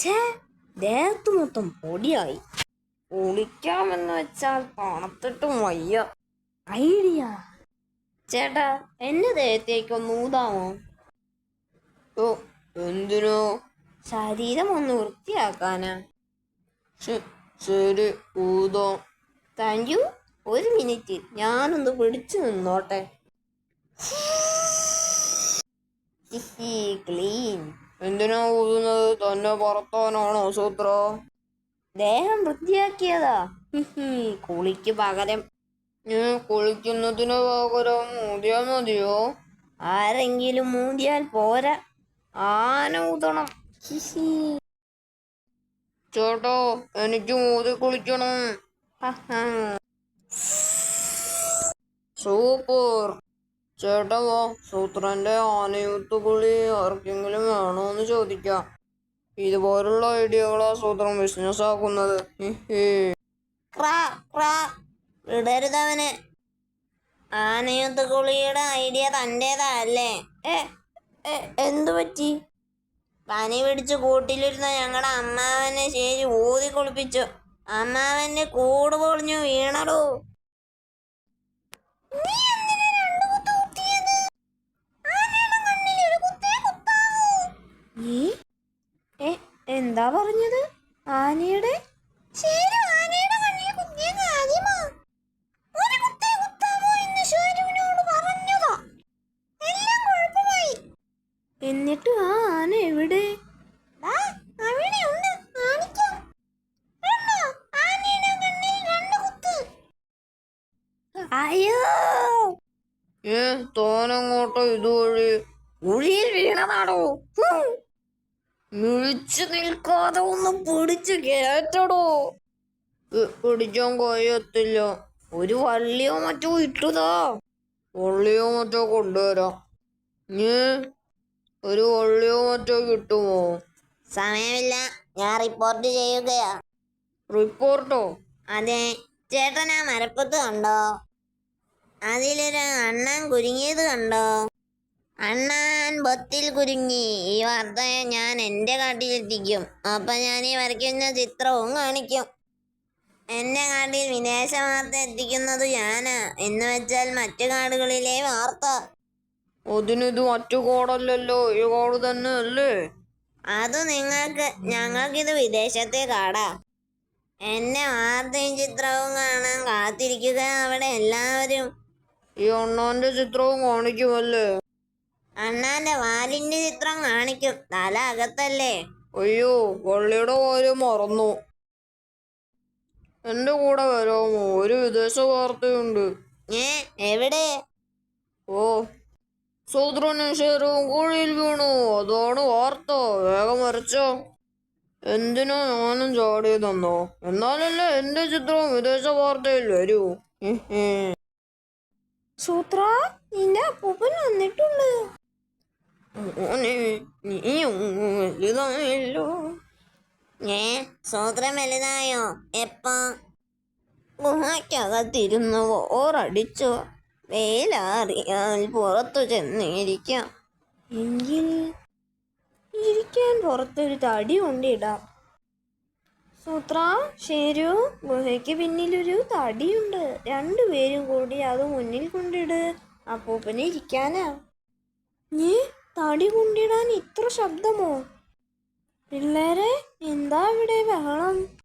ഛേ, ദേഹത്ത് മൊത്തം പൊടിയായി. കുളിക്കാമെന്ന് വെച്ചാൽ തണുത്തിട്ടും വയ്യ. ഐഡിയ. ചേട്ടാ, എന്റെ ദേഹത്തേക്കൊന്ന് ഊതാമോ? ഓ, എന്തിനോ? ശരീരം ഒന്ന് വൃത്തിയാക്കാനാ. ശരി, ഊതാം. Thank you. ഒരു മിനിറ്റ്, ഞാനൊന്ന് പിടിച്ചു നിന്നോട്ടെ. ക്ലീൻ. എന്തിനാ ഊതുന്നത്? തന്നെ പറത്താനാണോ സൂത്ര? ദേഹം വൃത്തിയാക്കിയതാ. കുളിക്ക് പകരം. കുളിക്കുന്നതിന് പകരം ഊതിയാ മതിയോ? ആരെങ്കിലും മൂടിയാൽ പോരാ, ആന ഊതണം. ചേട്ടാ, എനിക്ക് ഊതി കുളിക്കണം. സൂപ്പർ. ചേട്ടാ വാ, സൂത്രന്റെ ആനയൂത്ത് കുളി ആർക്കെങ്കിലും വേണോന്ന് ചോദിക്കാം. ഇതുപോലുള്ള ഐഡിയകളാ സൂത്രം ബിസിനസ് ആക്കുന്നത്. വിടരുതവന്. ആനയൂത്ത് കുളിയുടെ ഐഡിയ തൻ്റെതല്ലേ? എന്തു പറ്റി? പനി പിടിച്ച് കൂട്ടിലിരുന്ന ഞങ്ങളുടെ അമ്മാവനെ ശരി ഊതി കുളിപ്പിച്ചു. അമ്മാവന്റെ കൂട് പൊളിഞ്ഞു വീണടോ. എന്താ പറഞ്ഞത്? ആനയുടെ എന്നിട്ട് ആ ആന എവിടെ? അയ്യോ, തോനങ്ങോട്ടോ ഇതുവഴി? കുഴിയിൽ വീണതാണോ? മിഴിച്ചു നിൽക്കാതെ ഒന്ന് പിടിച്ചു കേറ്റടോ. പിടിക്കാൻ കഴിയത്തില്ല. ഒരു വള്ളിയോ മറ്റോ ഇട്ടുതാ. വള്ളിയോ മറ്റോ കൊണ്ടുവരാം. ഒരു വള്ളിയോ മറ്റോ കിട്ടുമോ? സമയമില്ല, ഞാൻ റിപ്പോർട്ട് ചെയ്യുകയാ. റിപ്പോർട്ടോ? അതെ. ചേട്ടൻ ആ മരപ്പത്ത് കണ്ടോ? അതിലൊരു അണ്ണാൻ കുരുങ്ങിയത് കണ്ടോ? അണ്ണാൻ ബൊത്തിൽ കുരുങ്ങി. ഈ വാർത്ത ഞാൻ എൻ്റെ കാട്ടിലെത്തിക്കും. അപ്പൊ ഞാൻ ഈ വരയ്ക്കുന്ന ചിത്രവും കാണിക്കും. എൻ്റെ കാട്ടിൽ വിദേശ വാർത്ത എത്തിക്കുന്നത് ഞാനാ. എന്ന് വെച്ചാൽ മറ്റു കാടുകളിലെ വാർത്ത. അതിനിത് മറ്റു കാടല്ലല്ലോ, ഈ കാട് തന്നെ അല്ലേ? അത് ഞങ്ങൾക്കിത് വിദേശത്തെ കാടാ. എന്റെ വാർത്തയും ചിത്രവും കാണാൻ കാത്തിരിക്കുക അവിടെ എല്ലാവരും. ഈ അണ്ണാന്റെ ചിത്രവും കാണിക്കുമല്ലേ? അണ്ണാന്റെ വാലിന്റെ ചിത്രം കാണിക്കും. തല അകത്തല്ലേ. അയ്യോ, വള്ളിയുടെ കാര്യം മറന്നു. എന്റെ കൂടെ വരാമോ? ഒരു വിദേശ വാർത്തയുണ്ട്. എവിടെ? ഓ, സൂത്രനും ഷെയറും കുഴിയിൽ വീണു, അതാണ് വാർത്ത. വേഗം വരച്ചോ. എന്തിനോ ഞാനും ചാടിയതെന്നോ? എന്നാലല്ലേ എന്റെ ചിത്രവും വിദേശ വാർത്തയിൽ വരൂ. സൂത്ര, നിന്റെ അപ്പൂപ്പൻ വന്നിട്ടുണ്ട്. നീയും വലുതായല്ലോ. സൂത്രം വലുതായോ? എപ്പോ? ഗുഹയ്ക്കകത്തിരുന്ന് ഓറടിച്ചു. വെയിലാറിയാൽ പുറത്തു ചെന്നിരിക്കാം. എങ്കിൽ ഇരിക്കാൻ പുറത്തൊരു തടി കൊണ്ടിടാം. സൂത്ര, ശരു, ഗുഹയ്ക്ക് പിന്നിലൊരു തടിയുണ്ട്. രണ്ടുപേരും കൂടി അത് മുന്നിൽ കൊണ്ടിട്. അപ്പൂപ്പനെ ഇരിക്കാനാ. തടി കൊണ്ടിടാൻ ഇത്ര ശബ്ദമോ? പിള്ളേരെ, എന്താ ഇവിടെ ബഹളം?